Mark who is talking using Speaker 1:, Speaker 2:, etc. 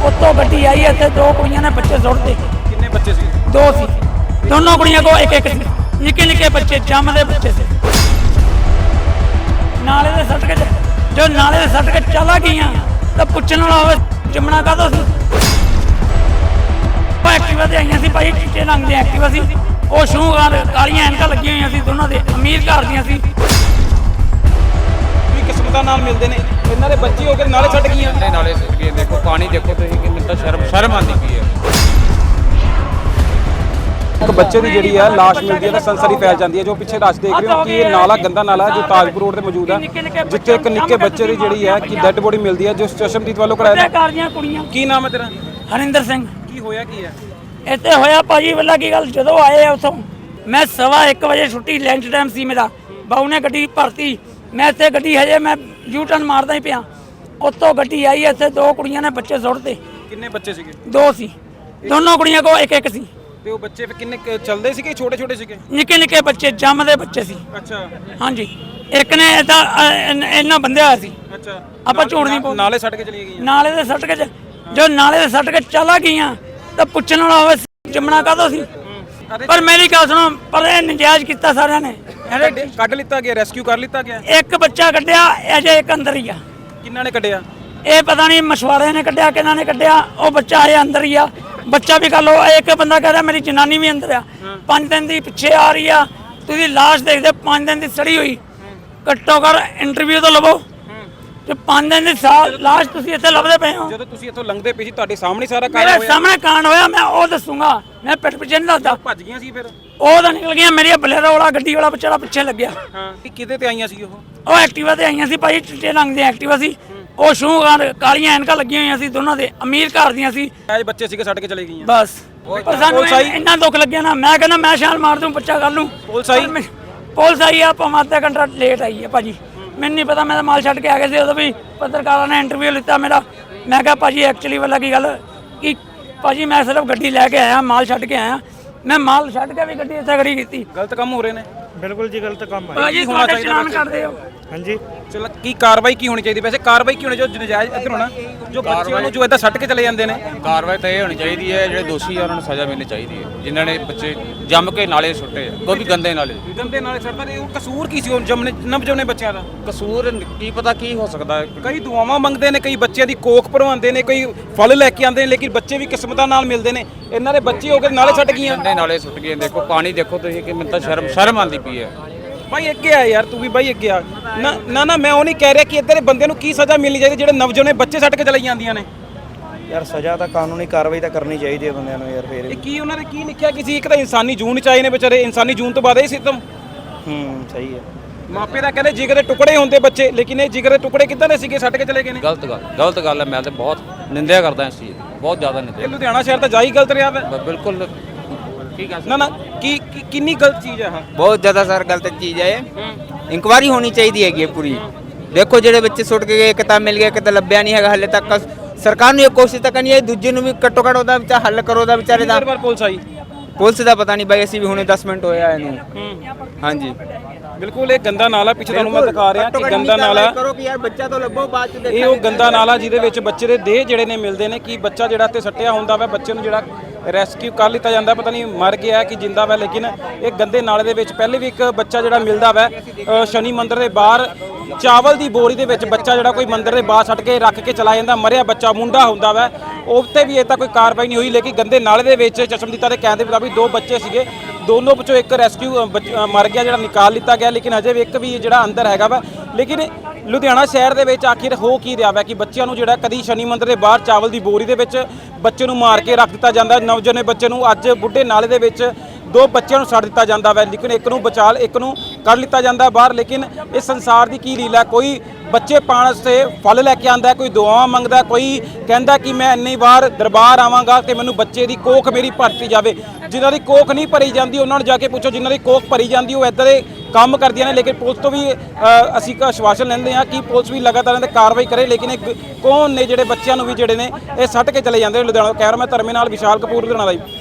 Speaker 1: ਉੱਤੋਂ ਗੱਡੀ ਆਈ ਇੱਥੇ ਦੋ ਕੁੜੀਆਂ ਨੇ ਬੱਚੇ ਸੁੱਟਦੇ।
Speaker 2: ਕਿੰਨੇ ਬੱਚੇ ਸੀ?
Speaker 1: ਦੋ ਸੀ, ਦੋਨੋਂ ਕੁੜੀਆਂ ਕੋ ਇੱਕ ਇੱਕ ਸੀ, ਨਿੱਕੇ ਨਿੱਕੇ ਬੱਚੇ ਜੰਮਦੇ ਬੱਚੇ ਸੀ। ਨਾਲੇ ਦੇ ਸੱਟ ਕੇ ਜੋ ਨਾਲੇ ਦੇ ਸੱਟ ਕੇ ਚਲਾ ਗਈਆਂ ਤਾਂ ਪੁੱਛਣ ਵਾਲਾ ਹੋਵੇ ਜੰਮਣਾ ਕਾਹਦੋਂ ਸੀ। ਐਕਟਿਵਾ ਤੇ ਆਈਆਂ ਸੀ ਭਾਈ, ਚਿੱਟੇ ਰੰਗ ਦੀ ਐਕਟਿਵਾ ਸੀ, ਉਹ ਸ਼ੂਗਾਂ ਕਾਲੀਆਂ ਐਨਕਾਂ ਲੱਗੀਆਂ ਹੋਈਆਂ ਸੀ, ਦੋਨਾਂ ਦੇ ਅਮੀਰ ਘਰ ਦੀਆਂ ਸੀ।
Speaker 2: ਵੀ ਕਿਸਮਤਾਂ ਨਾਲ ਮਿਲਦੇ ਨੇ, ਇਹਨਾਂ ਦੇ ਬੱਚੇ ਹੋ ਕੇ ਨਾਲੇ ਛੱਡ ਗਈਆਂ।
Speaker 3: ਨਾਲੇ ਸੁੱਟ ਗਏ। ਦੇਖੋ ਪਾਣੀ ਦੇਖੋ ਤੁਸੀਂ ਕਿ ਮੈਨੂੰ ਤਾਂ ਸ਼ਰਮ ਆਉਂਦੀ ਪਈ ਹੈ।
Speaker 2: ਇੱਕ ਬੱਚੇ ਦੀ ਜਿਹੜੀ ਹੈ ਲਾਸ਼ ਮਿਲਦੀ ਹੈ ਤਾਂ ਸੰਸਰੀ ਫੈਲ ਜਾਂਦੀ ਹੈ। ਜੋ ਪਿੱਛੇ ਰਸ਼ ਦੇਖ ਰਹੇ ਹੋ ਕਿ ਇਹ ਨਾਲਾ ਗੰਦਾ ਨਾਲਾ ਜੋ ਤਾਜਪੁਰ ਰੋਡ ਤੇ ਮੌਜੂਦ ਹੈ, ਜਿੱਥੇ ਇੱਕ ਨਿੱਕੇ ਬੱਚੇ ਦੀ ਜਿਹੜੀ ਹੈ ਕਿ ਡੈੱਡ ਬੋਡੀ ਮਿਲਦੀ ਹੈ, ਜੋ ਚਸ਼ਮਦੀਦ ਵੱਲੋਂ ਕਰਾਇਆ।
Speaker 1: ਕੁੜੀਆਂ।
Speaker 2: ਕੀ ਨਾਮ ਹੈ ਤੇਰਾ?
Speaker 1: ਹਰਿੰਦਰ ਸਿੰਘ।
Speaker 2: ਕੀ ਹੋਇਆ ਕੀ ਹੈ
Speaker 1: ਇੱਥੇ ਹੋਇਆ ਭਾਜੀ ਵੱਲਾ ਕੀ ਗੱਲ, ਜਦੋਂ ਆਏ ਆ ਉੱਥੋਂ ਮੈਂ 1:15 ਵਜੇ ਛੁੱਟੀ ਲੰਚ ਟਾਈਮ ਸੀ ਮੇਰਾ, ਬਾਊ ਨੇ ਗੱਡੀ ਭਰਤੀ, ਮੈਂ ਇੱਥੇ ਗੱਡੀ ਹਜੇ ਮੈਂ ਯੂ ਟਰਨ ਮਾਰਦਾ ਹੀ ਪਿਆ, ਉੱਤੋਂ ਗੱਡੀ ਆਈ ਇੱਥੇ ਦੋ ਕੁੜੀਆਂ ਨੇ ਬੱਚੇ ਸੁੱਟਦੇ।
Speaker 2: ਕਿੰਨੇ ਬੱਚੇ ਸੀਗੇ?
Speaker 1: ਦੋ ਸੀ, ਦੋਨੋਂ ਕੁੜੀਆਂ ਕੋ ਇੱਕ ਇੱਕ ਸੀ।
Speaker 2: ਤੇ ਉਹ ਬੱਚੇ ਫਿਰ ਕਿੰਨੇ ਚੱਲਦੇ ਸੀਗੇ? ਛੋਟੇ ਛੋਟੇ ਸੀਗੇ?
Speaker 1: ਨਿੱਕੇ ਨਿੱਕੇ ਬੱਚੇ ਜੰਮਦੇ ਬੱਚੇ ਸੀ।
Speaker 2: ਅੱਛਾ
Speaker 1: ਹਾਂਜੀ, ਇੱਕ ਨੇ ਏਦਾਂ ਇੰਨਾ ਬੰਦਿਆ ਹੋਇਆ ਸੀ।
Speaker 2: ਅੱਛਾ,
Speaker 1: ਆਪਾਂ ਝੂਠ ਨਹੀਂ ਬੋਲ,
Speaker 2: ਨਾਲੇ ਛੱਡ ਕੇ ਚਲੀ ਗਈਆਂ।
Speaker 1: ਨਾਲੇ ਦੇ ਸੱਟ ਕੇ ਜੋ ਨਾਲੇ ਦੇ ਸੱਟ ਕੇ ਚਲਾ ਗਈਆਂ ਤਾਂ ਪੁੱਛਣ ਵਾਲਾ ਹੋਵੇ ਜੰਮਣਾ ਕਾਹਦੋਂ ਸੀ। ਪਰ ਮੇਰੀ ਗੱਲ ਸੁਣੋ, ਪਰ ਇਹ ਨਜਾਇਜ਼ ਕੀਤਾ ਸਾਰਿਆਂ ਨੇ।
Speaker 2: ਕੱਢ ਲਿੱਤਾ ਗਿਆ, ਰੈਸਕਿਊ ਕਰ ਲਿੱਤਾ ਗਿਆ।
Speaker 1: ਇੱਕ ਬੱਚਾ ਕੱਢਿਆ, ਅਜੇ ਇੱਕ ਅੰਦਰ ਹੀ ਆ।
Speaker 2: ਕਿੰਨਾਂ ਨੇ ਕੱਢਿਆ?
Speaker 1: ਇਹ ਪਤਾ ਨਹੀਂ ਮਛਵਾੜੇ ਨੇ ਕੱਢਿਆ ਕਿਹਨਾਂ ਨੇ ਕੱਢਿਆ, ਉਹ ਬੱਚਾ ਅਜੇ ਅੰਦਰ ਹੀ ਆ। ਬੱਚਾ ਵੀ ਕਰ ਲਓ, ਇੱਕ ਬੰਦਾ ਕਹਿੰਦਾ ਮੇਰੀ ਜਨਾਨੀ ਵੀ ਅੰਦਰ ਆ, 5 ਦਿਨ ਦੀ ਪਿੱਛੇ ਆ ਰਹੀ ਆ, ਤੁਸੀਂ ਲਾਸ਼ ਦੇਖਦੇ 5 ਦਿਨ ਦੀ ਸੜੀ ਹੋਈ। ਘੱਟੋ ਘੱਟ ਇੰਟਰਵਿਊ ਤਾਂ ਲਵੋ, ਤੇ 5 ਦਿਨ ਦੀ ਲਾਸ਼ ਤੁਸੀਂ ਇੱਥੇ ਲੱਭਦੇ ਪਏ ਹੋ।
Speaker 2: ਜਦੋਂ ਤੁਸੀਂ ਇੱਥੋਂ ਲੰਘਦੇ ਪਏ ਸੀ ਤੁਹਾਡੇ ਸਾਹਮਣੇ ਸਾਰਾ ਕਾਂਡ
Speaker 1: ਮੇਰੇ
Speaker 2: ਹੋਇਆ?
Speaker 1: ਸਾਹਮਣੇ ਕਾਂਡ ਹੋਇਆ, ਮੈਂ ਉਹ ਦੱਸੂਗਾ, ਮੈਂ ਪਿੱਠ ਪਿੱਛੇ ਨਹੀਂ ਦੱਸਦਾ।
Speaker 2: ਭੱਜ ਗਈਆਂ ਸੀ ਫਿਰ?
Speaker 1: ਉਹ ਤਾਂ ਨਿਕਲ ਗਈਆਂ, ਮੇਰੀ ਬਲੇਰੋ ਵਾਲਾ ਗੱਡੀ ਵਾਲਾ ਵਿਚਾਰਾ ਪਿੱਛੇ ਲੱਗਿਆ।
Speaker 2: ਹਾਂ, ਕਿਹਦੇ ਤੇ ਆਈਆਂ ਸੀ ਉਹ?
Speaker 1: ਉਹ ਐਕਟਿਵਾ ਤੇ ਆਈਆਂ ਸੀ ਭਾਈ, ਚਿੱਟੇ ਰੰਗ ਦੀ ਐਕਟਿਵਾ ਸੀ, ਉਹ ਸ਼ੂਗਾਂ ਕਾਲੀਆਂ ਐਨਕਾਂ ਲੱਗੀਆਂ ਹੋਈਆਂ ਸੀ, ਦੋਨਾਂ ਦੇ ਅਮੀਰ ਘਰ ਦੀਆਂ ਸੀ।
Speaker 2: ਐਜ ਬੱਚੇ ਸੀਗੇ ਛੱਡ ਕੇ ਚਲੇ ਗਈਆਂ।
Speaker 1: ਬਸ ਪਰ ਸਾਨੂੰ ਇੰਨਾ ਦੁੱਖ ਲੱਗਿਆ ਨਾ, ਮੈਂ ਕਹਿੰਦਾ ਮੈਂ ਛਾਲ ਮਾਰ ਦੂੰ, ਬੱਚਾ ਕਰ ਲੂੰ। ਪੁਲਿਸ ਆਈ ਆ, ਭਾਵੇਂ ਅੱਧਾ ਘੰਟਾ ਲੇਟ ਆਈ ਹੈ ਭਾਜੀ, ਮੈਨੂੰ ਨਹੀਂ ਪਤਾ, ਮੈਂ ਤਾਂ ਮਾਲ ਛੱਡ ਕੇ ਆ ਗਿਆ ਸੀ। ਉਦੋਂ ਵੀ ਪੱਤਰਕਾਰਾਂ ਨੇ ਇੰਟਰਵਿਊ ਲਿੱਤਾ ਮੇਰਾ, ਮੈਂ ਕਿਹਾ ਭਾਜੀ ਐਕਚੁਅਲੀ ਵਾਲਾ ਕੀ ਗੱਲ ਕਿ ਭਾਜੀ ਮੈਂ ਸਿਰਫ ਗੱਡੀ ਲੈ ਕੇ ਆਇਆ, ਮਾਲ ਛੱਡ ਕੇ ਆਇਆ, ਮੈਂ ਮਾਲ ਛੱਡ ਕੇ ਵੀ ਗੱਡੀ ਇੱਥੇ ਖੜੀ ਕੀਤੀ।
Speaker 2: ਗਲਤ ਕੰਮ ਹੋ ਰਹੇ ਨੇ।
Speaker 4: ਬਿਲਕੁਲ ਜੀ, ਗਲਤ ਕੰਮ ਹੈ
Speaker 1: ਭਾਜੀ ਤੁਹਾਡੇ ਚਲਾਨ ਕਰਦੇ ਹੋ।
Speaker 4: ਹਾਂਜੀ,
Speaker 2: ਚਲੋ ਕੀ ਕਾਰਵਾਈ ਕੀ ਹੋਣੀ ਚਾਹੀਦੀ? ਵੈਸੇ ਕਾਰਵਾਈ ਕੀ ਹੋਣੀ ਚਾਹੀਦੀ? ਜੋ ਨਜਾਇਜ਼ ਇੱਧਰ ਹੋਣਾ, ਜੋ ਬੱਚਿਆਂ ਨੂੰ ਜੋ ਇੱਦਾਂ ਸੱਟ ਕੇ ਚਲੇ ਜਾਂਦੇ ਨੇ।
Speaker 3: ਕਾਰਵਾਈ ਤਾਂ ਇਹ ਹੋਣੀ ਚਾਹੀਦੀ ਹੈ, ਜਿਹੜੇ ਦੋਸ਼ੀ ਆ ਉਹਨਾਂ ਨੂੰ ਸਜ਼ਾ ਮਿਲਣੀ ਚਾਹੀਦੀ ਹੈ, ਜਿਨ੍ਹਾਂ ਨੇ ਬੱਚੇ ਜੰਮ ਕੇ ਨਾਲੇ ਸੁੱਟੇ ਆ, ਕੋਈ ਵੀ ਗੰਦੇ ਨਾਲੇ।
Speaker 2: ਗੰਦੇ ਨਾਲੇ ਸੜਦਾ ਨੇ, ਉਹ ਕਸੂਰ ਕੀ ਸੀ ਉਹ ਨਵਜੰਮੇ ਬੱਚਿਆਂ ਦਾ?
Speaker 3: ਕਸੂਰ ਕੀ ਪਤਾ ਕੀ ਹੋ ਸਕਦਾ ਹੈ।
Speaker 2: ਕਈ ਦੁਆਵਾਂ ਮੰਗਦੇ ਨੇ, ਕਈ ਬੱਚਿਆਂ ਦੀ ਕੋਖ ਭਰਵਾਉਂਦੇ ਨੇ, ਕਈ ਫਲ ਲੈ ਕੇ ਆਉਂਦੇ ਨੇ, ਲੇਕਿਨ ਬੱਚੇ ਵੀ ਕਿਸਮਤਾਂ ਨਾਲ ਮਿਲਦੇ ਨੇ। ਇਹਨਾਂ ਦੇ ਬੱਚੇ ਹੋ ਕੇ ਨਾਲੇ ਛੱਡ ਗਈਆਂ।
Speaker 3: ਗੰਦੇ ਨਾਲੇ ਸੁੱਟ ਗਏ। ਦੇਖੋ ਪਾਣੀ ਦੇਖੋ ਤੁਸੀਂ ਕਿ ਮੈਨੂੰ ਤਾਂ ਸ਼ਰਮ ਆਉਂਦੀ ਪਈ ਹੈ।
Speaker 2: ਭਾਈ ਅੱਗੇ ਆ ਯਾਰ, ਤੂੰ ਵੀ ਭਾਈ ਅੱਗੇ ਆ। ਨਾ ਮੈਂ ਉਹ ਨਹੀਂ ਕਹਿ ਰਿਹਾ ਕਿ ਇੱਧਰ ਦੇ ਬੰਦੇ ਨੂੰ ਕੀ ਸਜ਼ਾ ਮਿਲਣੀ ਚਾਹੀਦੀ ਜਿਹੜੇ ਨਵਜੰਮੇ ਬੱਚੇ ਛੱਡ ਕੇ ਚਲੇ ਜਾਂਦੀਆਂ ਨੇ।
Speaker 4: ਯਾਰ ਸਜ਼ਾ ਤਾਂ ਕਾਨੂੰਨੀ ਕਾਰਵਾਈ ਤਾਂ ਕਰਨੀ ਚਾਹੀਦੀ ਹੈ ਬੰਦਿਆਂ ਨੂੰ ਯਾਰ। ਫੇਰ
Speaker 2: ਇਹ ਕੀ ਉਹਨਾਂ ਨੇ ਕੀ ਲਿਖਿਆ ਕਿ ਸੀ? ਇੱਕ ਤਾਂ ਇਨਸਾਨੀ ਜੂਨ ਚ ਆਏ ਨੇ ਵਿਚਾਰੇ, ਇਨਸਾਨੀ ਜੂਨ ਤੋਂ ਬਾਅਦ ਇਹ ਸਿਸਟਮ।
Speaker 4: ਸਹੀ ਹੈ।
Speaker 2: ਮਾਪੇ ਤਾਂ ਕਹਿੰਦੇ ਜਿਗਰ ਦੇ ਟੁਕੜੇ ਹੁੰਦੇ ਬੱਚੇ, ਲੇਕਿਨ ਇਹ ਜਿਗਰ ਦੇ ਟੁਕੜੇ ਕਿੱਦਾਂ ਦੇ ਸੀਗੇ, ਛੱਡ ਕੇ ਚਲੇ ਗਏ ਨੇ।
Speaker 3: ਗਲਤ ਗੱਲ ਹੈ। ਮੈਂ ਤਾਂ ਬਹੁਤ ਨਿੰਦਿਆ ਕਰਦਾ ਇਸ ਚੀਜ਼ ਦੀ, ਬਹੁਤ ਜ਼ਿਆਦਾ ਨਿੰਦਿਆ।
Speaker 2: ਲੁਧਿਆਣਾ ਸ਼ਹਿਰ ਤਾਂ ਜਾ ਹੀ ਗਲਤ ਰਿਹਾ ਵਾ।
Speaker 3: ਬਿਲਕੁਲ ਠੀਕ ਹੈ।
Speaker 2: ਨਾ ਕਿੰਨੀ ਗਲਤ ਚੀਜ਼ ਹੈ?
Speaker 5: ਬਹੁਤ ਜ਼ਿਆਦਾ ਸਰ ਗਲਤ ਚੀਜ਼ ਹੈ। ਇਨਕੁਆਇਰੀ ਹੋਣੀ ਚਾਹੀਦੀ ਹੈਗੀ ਪੂਰੀ। ਦੇਖੋ ਜਿਹੜੇ ਬੱਚੇ ਸੁੱਟ ਕੇ ਗਏ, ਕਿਤਾ ਮਿਲ ਗਿਆ, ਕਿਤਾ ਲੱਭਿਆ ਨਹੀਂ ਹੈਗਾ ਹਲੇ ਤੱਕ। ਸਰਕਾਰ ਨੂੰ ਇਹ ਕੋਸ਼ਿਸ਼ ਤਾਂ ਕਰਨੀ ਹੈ, ਦੂਜੇ ਨੂੰ ਵੀ ਘੱਟੋ ਘੱਟ ਉਹਦਾ ਵਿਚਾਰ ਹੱਲ ਕਰੋ, ਉਹਦਾ ਵਿਚਾਰੇ ਦਾ।
Speaker 2: ਪੁਲਿਸ ਆਈ?
Speaker 5: ਪੁਲਿਸ ਦਾ ਪਤਾ ਨਹੀਂ ਬਾਈ, ਅਸੀਂ ਵੀ ਹੁਣੇ 10 ਮਿੰਟ ਹੋਇਆ ਇਹਨੂੰ। ਹਾਂਜੀ
Speaker 2: ਬਿਲਕੁਲ, ਇਹ ਗੰਦਾ ਨਾਲਾ ਪਿੱਛੇ ਤੁਹਾਨੂੰ ਮੈਂ ਦਿਖਾ ਰਿਹਾ ਕਿ ਗੰਦਾ ਨਾਲਾ
Speaker 5: ਕਰੋ ਕਿ ਯਾਰ ਬੱਚਾ ਤਾਂ ਲੱਭੋ, ਬਾਅਦ ਚ ਦੇਖਾਂਗੇ।
Speaker 2: ਇਹ ਉਹ ਗੰਦਾ ਨਾਲਾ ਜਿਹਦੇ ਵਿੱਚ ਬੱਚੇ ਦੇ ਦੇਹ ਜਿਹੜੇ ਨੇ ਮਿਲਦੇ ਨੇ, ਕਿ ਬੱਚਾ ਜਿਹੜਾ ਤੇ ਸੱਟਿਆ ਹੁੰਦਾ ਵਾ, ਬੱਚੇ ਨੂੰ ਜਿਹੜਾ ਰੈਸਕਿਊ ਕਰ ਲਿੱਤਾ ਜਾਂਦਾ, ਪਤਾ ਨਹੀਂ ਮਰ ਗਿਆ ਕਿ ਜਿੰਦਾ ਵਾ, ਲੇਕਿਨ ਇਹ ਗੰਦੇ ਨਾਲੇ ਦੇ ਵਿੱਚ ਪਹਿਲੇ ਵੀ ਇੱਕ ਬੱਚਾ ਜਿਹੜਾ ਮਿਲਦਾ ਵਾ ਸ਼ਨੀ ਮੰਦਿਰ ਦੇ ਬਾਹਰ, ਚਾਵਲ ਦੀ ਬੋਰੀ ਦੇ ਵਿੱਚ ਬੱਚਾ ਜਿਹੜਾ ਕੋਈ ਮੰਦਿਰ ਦੇ ਬਾਹਰ ਛੱਡ ਕੇ ਰੱਖ ਕੇ ਚਲਾ ਜਾਂਦਾ, ਮਰਿਆ ਬੱਚਾ ਮੁੰਡਾ ਹੁੰਦਾ ਵਾ, ਉੱਤੇ ਵੀ ਇਹ ਤਾਂ ਕੋਈ ਕਾਰਵਾਈ ਨਹੀਂ ਹੋਈ। ਲੇਕਿਨ ਗੰਦੇ ਨਾਲੇ ਦੇ ਵਿੱਚ ਚਸ਼ਮਦੀਤਾ ਦੇ ਕਹਿਣ ਦੇ ਮੁਤਾਬਿਕ 2 ਬੱਚੇ ਸੀਗੇ, ਦੋਨੋਂ ਵਿੱਚੋਂ ਇੱਕ ਰੈਸਕਿਊ ਮਰ ਗਿਆ, ਜਿਹੜਾ ਨਿਕਾਲ ਲਿੱਤਾ ਗਿਆ, ਲੇਕਿਨ ਹਜੇ ਵੀ ਇੱਕ ਵੀ ਜਿਹੜਾ ਅੰਦਰ ਹੈਗਾ ਵਾ। ਲੇਕਿਨ ਲੁਧਿਆਣਾ ਸ਼ਹਿਰ ਦੇ ਵਿੱਚ ਆਖਿਰ ਹੋ ਕੀ ਰਿਹਾ ਵਾ ਕਿ ਬੱਚਿਆਂ ਨੂੰ ਜਿਹੜਾ ਕਦੀ ਸ਼ਨੀ ਮੰਦਿਰ ਦੇ ਬਾਹਰ ਚਾਵਲ ਦੀ ਬੋਰੀ ਦੇ ਵਿੱਚ ਬੱਚੇ ਨੂੰ ਮਾਰ ਕੇ ਰੱਖ ਦਿੱਤਾ ਜਾਂਦਾ, ਨਵਜੰਮੇ ਬੱਚੇ ਨੂੰ ਅੱਜ ਬੁੱਢੇ ਨਾਲੇ ਦੇ ਵਿੱਚ 2 ਬੱਚਿਆਂ ਨੂੰ ਛੱਡ ਦਿੱਤਾ ਜਾਂਦਾ ਵਾ, ਲੇਕਿਨ ਇੱਕ ਨੂੰ ਬਚਾ ਇੱਕ ਨੂੰ ਕੱਢ ਲਿੱਤਾ ਜਾਂਦਾ ਬਾਹਰ। ਲੇਕਿਨ ਇਸ ਸੰਸਾਰ ਦੀ ਕੀ ਲੀਲਾ, ਕੋਈ ਬੱਚੇ ਪਾਣ ਵਾਸਤੇ ਫਲ ਲੈ ਕੇ ਆਂਦਾ, ਕੋਈ ਦੁਆਵਾਂ ਮੰਗਦਾ, ਕੋਈ ਕਹਿੰਦਾ ਕਿ ਮੈਂ ਇੰਨੀ ਵਾਰ ਦਰਬਾਰ ਆਵਾਂਗਾ ਕਿ ਮੈਨੂੰ ਬੱਚੇ ਦੀ ਕੋਖ ਮੇਰੀ ਭਰਤੀ ਜਾਵੇ। ਜਿਨ੍ਹਾਂ ਦੀ ਕੋਖ ਨਹੀਂ ਭਰੀ ਜਾਂਦੀ ਉਹਨਾਂ ਨੂੰ ਜਾ ਕੇ ਪੁੱਛੋ, ਜਿਨ੍ਹਾਂ ਦੀ ਕੋਖ ਭਰੀ ਜਾਂਦੀ ਉਹ ਇੱਦਾਂ ਦੇ ਕੰਮ ਕਰਦੀਆਂ ਨੇ। ਲੇਕਿਨ ਪੁਲਿਸ ਤੋਂ ਵੀ ਅਸੀਂ ਆਸ਼ਵਾਸਨ ਲੈਂਦੇ ਹਾਂ ਕਿ ਪੁਲਿਸ ਵੀ ਲਗਾਤਾਰ ਇਹਨਾਂ 'ਤੇ ਕਾਰਵਾਈ ਕਰੇ। ਲੇਕਿਨ ਇਹ ਕੌਣ ਨੇ ਜਿਹੜੇ ਬੱਚਿਆਂ ਨੂੰ ਵੀ ਜਿਹੜੇ ਨੇ ਇਹ ਸੱਟ ਕੇ ਚਲੇ ਜਾਂਦੇ। ਲੁਧਿਆਣਾ ਕੈਮਰਾਮੈਨ ਧਰਮੇ ਨਾਲ ਵਿਸ਼ਾਲ ਕਪੂਰ ਲੁਧਿਆਣਾ ਦਾ।